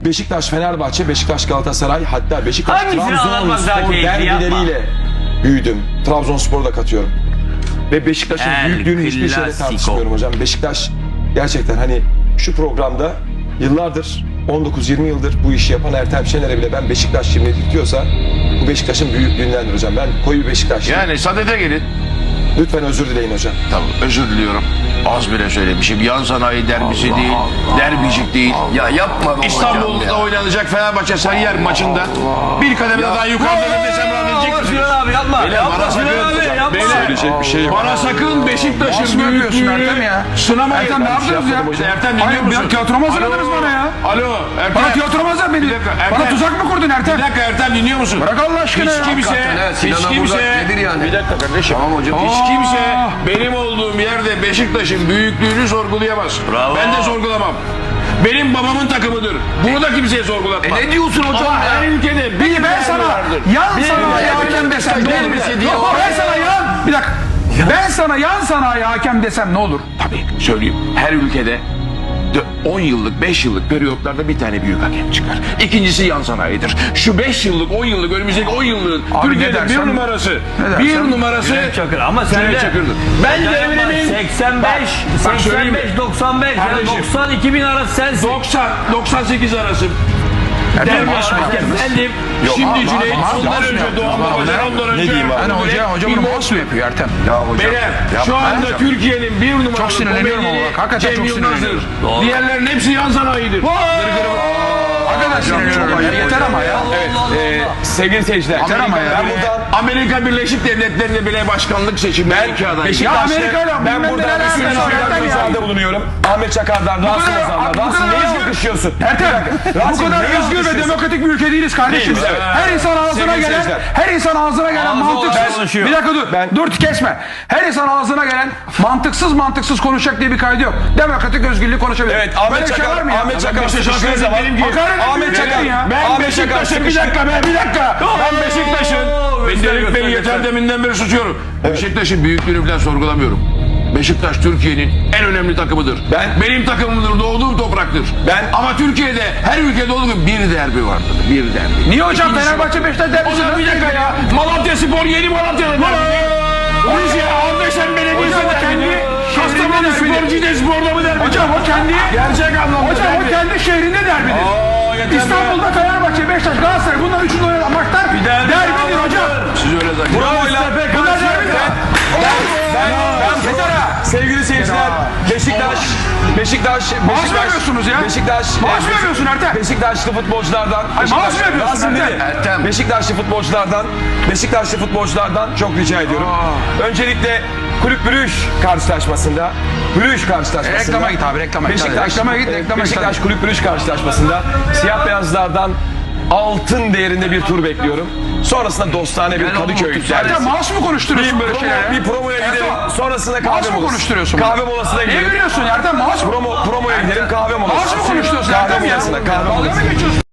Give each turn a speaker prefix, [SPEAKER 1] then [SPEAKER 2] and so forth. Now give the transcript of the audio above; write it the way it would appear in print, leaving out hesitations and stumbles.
[SPEAKER 1] Beşiktaş, Fenerbahçe, Beşiktaş, Galatasaray, hatta Beşiktaş,
[SPEAKER 2] Hangisini anlatmak daha
[SPEAKER 1] Trabzonspor
[SPEAKER 2] keyifli, yapma.
[SPEAKER 1] derbileriyle büyüdüm. Trabzonspor'u da katıyorum. Ve Beşiktaş'ın
[SPEAKER 2] El
[SPEAKER 1] büyüklüğünü hiçbir şeyle
[SPEAKER 2] Clasico.
[SPEAKER 1] tartışmıyorum hocam. Beşiktaş gerçekten hani şu programda yıllardır, 19-20 yıldır bu işi yapan Ertem Şener'e bile ben Beşiktaş şimdi diyorsa bu Beşiktaş'ın büyüklüğündendir hocam. Ben koyu bir Beşiktaşlıyım.
[SPEAKER 3] Yani sadede gelin.
[SPEAKER 1] Lütfen özür dileyin hocam.
[SPEAKER 3] Tamam, özür diliyorum. Az bile söylemişim. Yan sanayi derbisi değil, derbicik değil.
[SPEAKER 4] Ya yapma be hocam
[SPEAKER 3] İstanbul'da
[SPEAKER 4] ya.
[SPEAKER 3] oynanacak Fenerbahçe Sarıyer maçında bir kademe daha yukarıda desem rahatlayacak mısınız?
[SPEAKER 2] Sinan abi yapma.
[SPEAKER 3] Beyler,
[SPEAKER 2] Yapma
[SPEAKER 3] bana
[SPEAKER 2] Sinan
[SPEAKER 3] sakın-
[SPEAKER 2] abi yapma.
[SPEAKER 3] Beyler,
[SPEAKER 1] Söyleyecek bir şey yok.
[SPEAKER 3] Bana sakın Beşiktaş'ın
[SPEAKER 5] Nasıl yapıyorsun Ertem
[SPEAKER 3] büyüklüğünü
[SPEAKER 5] ya?
[SPEAKER 3] sınamayın.
[SPEAKER 5] Ertem ne yaptınız ya?
[SPEAKER 3] Ertem dinliyor
[SPEAKER 5] Hayır,
[SPEAKER 3] musun?
[SPEAKER 5] tiyatroma hazırladınız bana ya.
[SPEAKER 3] Alo Ertem.
[SPEAKER 5] Bana tiyatroma hazırladın beni.
[SPEAKER 3] Bir dakika, Ertem.
[SPEAKER 5] Bana tuzak mı kurdun Ertem?
[SPEAKER 3] Bir dakika Ertem dinliyor musun?
[SPEAKER 5] Bırak Allah aşkına
[SPEAKER 3] Hiç
[SPEAKER 5] ya.
[SPEAKER 3] kimse,
[SPEAKER 4] Hakikaten,
[SPEAKER 3] hiç
[SPEAKER 4] Sinan'a
[SPEAKER 3] kimse,
[SPEAKER 4] Burak nedir yani?
[SPEAKER 3] bir dakika kardeşim.
[SPEAKER 4] Tamam hocam.
[SPEAKER 3] Hiç kimse benim olduğum yerde Beşiktaş'ın büyüklüğünü sorgulayamaz.
[SPEAKER 2] Bravo.
[SPEAKER 3] Ben de sorgulamam. Benim babamın takımıdır. Bunu da kimseye sorgulatmam.
[SPEAKER 4] Ne diyorsun hocam
[SPEAKER 3] Ama her
[SPEAKER 4] ya?
[SPEAKER 3] ülkede bir
[SPEAKER 5] Peki ben
[SPEAKER 3] derbi
[SPEAKER 5] sana
[SPEAKER 3] vardır.
[SPEAKER 5] yan
[SPEAKER 3] Bir
[SPEAKER 5] sanayi
[SPEAKER 3] derbi
[SPEAKER 5] hakem desem ne olur?
[SPEAKER 3] derbisi diye
[SPEAKER 5] Yok, ben sana yan... Bir dakika. Ben sana yan sanayi hakem desem ne olur?
[SPEAKER 3] Tabii söyleyeyim. Her ülkede 10 yıllık, 5 yıllık periyotlarda bir tane büyük hakem çıkar. İkincisi yan sanayidir. Şu 5 yıllık, 10 yıllık, önümüzdeki 10 yılın
[SPEAKER 5] Abi
[SPEAKER 3] Türkiye'de
[SPEAKER 5] ne
[SPEAKER 3] bir
[SPEAKER 5] dersen-
[SPEAKER 3] numarası.
[SPEAKER 5] ne dersen-
[SPEAKER 3] Bir numarası
[SPEAKER 2] Cüneyt Çakır ama sen
[SPEAKER 3] Cüneyt
[SPEAKER 2] de
[SPEAKER 3] Çakır'dır. Ben de eminim.
[SPEAKER 2] 85,
[SPEAKER 3] bak söyleyeyim mi?
[SPEAKER 2] 85, 95, yani
[SPEAKER 3] Kardeşim.
[SPEAKER 2] 90, 2000 arası sensin.
[SPEAKER 3] 90, 98 arası.
[SPEAKER 5] Ertem
[SPEAKER 3] Derbi
[SPEAKER 5] maaş mı
[SPEAKER 3] hakem
[SPEAKER 5] yaptınız?
[SPEAKER 3] bendim. Şimdi Cüneyt,
[SPEAKER 5] maaş
[SPEAKER 3] ondan
[SPEAKER 5] mı
[SPEAKER 3] önce
[SPEAKER 5] yaptınız?
[SPEAKER 3] Doğan
[SPEAKER 5] Ama
[SPEAKER 3] Babacan,
[SPEAKER 5] ben-
[SPEAKER 3] ondan önce.
[SPEAKER 1] ne diyeyim abi?
[SPEAKER 5] Hani hoca bunu maaş mı yapıyor Ertem?
[SPEAKER 4] Ya hocam.
[SPEAKER 3] Beyler şu
[SPEAKER 4] yapma
[SPEAKER 3] anda
[SPEAKER 4] hocam.
[SPEAKER 3] Türkiye'nin bir numaralı
[SPEAKER 5] Çok sinirleniyorum
[SPEAKER 3] komedini
[SPEAKER 5] ama bak, hakikaten
[SPEAKER 3] Cem
[SPEAKER 5] çok
[SPEAKER 3] Yılmaz'dır.
[SPEAKER 5] sinirleniyorum.
[SPEAKER 2] Doğru.
[SPEAKER 3] Diğerlerin hepsi yan sanayidir.
[SPEAKER 5] Hakikaten sinirleniyorum ya. Yeter ama ya.
[SPEAKER 1] Sevgili seyirciler,
[SPEAKER 5] Yeter ama ya.
[SPEAKER 1] ben buradan
[SPEAKER 3] Amerika Birleşik Devletleri'nde bile başkanlık seçimleri iki aday.
[SPEAKER 5] Ya
[SPEAKER 1] Beşiktaş'ta
[SPEAKER 5] Amerika'yla
[SPEAKER 1] ben
[SPEAKER 5] bilmem
[SPEAKER 1] buradan
[SPEAKER 5] neler
[SPEAKER 1] bir
[SPEAKER 5] yapıyorsun
[SPEAKER 1] sürü
[SPEAKER 5] Ertem ya.
[SPEAKER 1] ricada bulunuyorum. Ahmet Çakar'dan, Rasim
[SPEAKER 5] kadar-
[SPEAKER 1] Ozan'dan.
[SPEAKER 5] bu
[SPEAKER 1] Rasim
[SPEAKER 5] kadar
[SPEAKER 1] neyi
[SPEAKER 5] özgür-
[SPEAKER 1] alkışlıyorsun?
[SPEAKER 5] Ertem, bu
[SPEAKER 1] Rasim,
[SPEAKER 5] kadar
[SPEAKER 1] neyi
[SPEAKER 5] özgür ve
[SPEAKER 1] alkışlıyorsun?
[SPEAKER 5] demokratik bir ülke değiliz kardeşim.
[SPEAKER 1] Değiliz, evet.
[SPEAKER 5] Her insan ağzına
[SPEAKER 1] Sevgili
[SPEAKER 5] gelen,
[SPEAKER 1] seyirciler.
[SPEAKER 5] her insan ağzına gelen
[SPEAKER 2] Ağzı
[SPEAKER 5] mantıksız.
[SPEAKER 2] olan konuşuyor.
[SPEAKER 5] Bir dakika dur, dur kesme. Her insan ağzına gelen mantıksız konuşacak diye bir kaydı yok. Demokratik özgürlüğü konuşabilir.
[SPEAKER 1] Evet,
[SPEAKER 5] Böyle
[SPEAKER 1] Ahmet
[SPEAKER 5] bir şey var
[SPEAKER 1] Çakar,
[SPEAKER 5] mı ya?
[SPEAKER 1] Ahmet Çakar
[SPEAKER 3] Beşiktaş'a
[SPEAKER 1] sıkıştığı zaman,
[SPEAKER 3] benim gibi.
[SPEAKER 5] Hakaret
[SPEAKER 1] Ahmet
[SPEAKER 5] ediyor
[SPEAKER 1] Çakar,
[SPEAKER 5] ya.
[SPEAKER 3] Ben
[SPEAKER 1] Ahmet
[SPEAKER 3] Beşiktaş'ın
[SPEAKER 1] Çakar
[SPEAKER 3] bir dakika be bir dakika. Ben
[SPEAKER 2] Oo,
[SPEAKER 3] Beşiktaş'ın. Ben
[SPEAKER 2] göster,
[SPEAKER 3] Delik Bey'i
[SPEAKER 2] göster,
[SPEAKER 3] yeter
[SPEAKER 2] göster.
[SPEAKER 3] deminden beri susuyorum. Beşiktaş'ın büyüklüğünü falan sorgulamıyorum. Beşiktaş Türkiye'nin en önemli takımıdır. Benim takımımdır, doğduğum topraktır. Ama Türkiye'de her ülkede olduğu gibi bir derbi vardır. Bir derbi.
[SPEAKER 5] Niye hocam
[SPEAKER 3] İkincisi
[SPEAKER 5] Fenerbahçe Beşiktaş derbisi?
[SPEAKER 3] Hocam bir dakika ya. Malatya Spor yeni Malatya'da derbi. Rize Ardeşen Belediyesi
[SPEAKER 5] Hocam o kendi
[SPEAKER 3] derbi.
[SPEAKER 5] şehrinde
[SPEAKER 3] Kastamonu
[SPEAKER 5] derbi.
[SPEAKER 3] Spor Cide Spor'da mı derbi?
[SPEAKER 5] Hocam o kendi
[SPEAKER 3] Gerçek anlamda
[SPEAKER 5] Hocam o
[SPEAKER 3] derbi.
[SPEAKER 5] kendi şehrinde derbidir. İstanbul'da Fenerbahçe, Beşiktaş, Galatasaray bunlar üçünde oynanan maçlar derbidir hocam.
[SPEAKER 3] Siz öyle zannediyorsunuz.
[SPEAKER 5] Bunlar derbidir.
[SPEAKER 1] sevgili seyirciler, Beşiktaş
[SPEAKER 5] Maaş mı yapıyorsunuz ya?
[SPEAKER 1] Beşiktaş,
[SPEAKER 5] Maaş mı yapıyorsun Ertem?
[SPEAKER 1] Beşiktaşlı futbolculardan,
[SPEAKER 5] maaş mı yapıyorsun
[SPEAKER 1] Rasim
[SPEAKER 5] Ertem?
[SPEAKER 1] dedi.
[SPEAKER 4] Ertem.
[SPEAKER 1] Beşiktaşlı futbolculardan çok rica ediyorum. Öncelikle Kulüp Brüj karşılaşmasında,
[SPEAKER 5] Reklama git abi, reklama git. Reklama git.
[SPEAKER 1] Beşiktaş Kulüp Brüj karşılaşmasında siyah beyazlardan altın değerinde bir tur bekliyorum. Sonrasında dostane bir Kadıköy.
[SPEAKER 5] Ertem maaş mı konuşturuyorsun böyle şeylere?
[SPEAKER 1] Bir promoya gidelim. Sonrasında
[SPEAKER 5] Maaş
[SPEAKER 1] kahve
[SPEAKER 5] mı
[SPEAKER 1] molası.
[SPEAKER 5] konuşturuyorsun?
[SPEAKER 1] Kahve molasına
[SPEAKER 5] Niye
[SPEAKER 1] gidelim.
[SPEAKER 5] gülüyorsun Ertem? Maaş mı?
[SPEAKER 1] Promoya gidelim, kahve molası.
[SPEAKER 5] Maaş mı konuşturuyorsun
[SPEAKER 1] Kahve
[SPEAKER 5] Ertem ya?
[SPEAKER 1] molasına, kahve
[SPEAKER 5] Dalga
[SPEAKER 1] molasına.
[SPEAKER 5] mı geçiyorsun?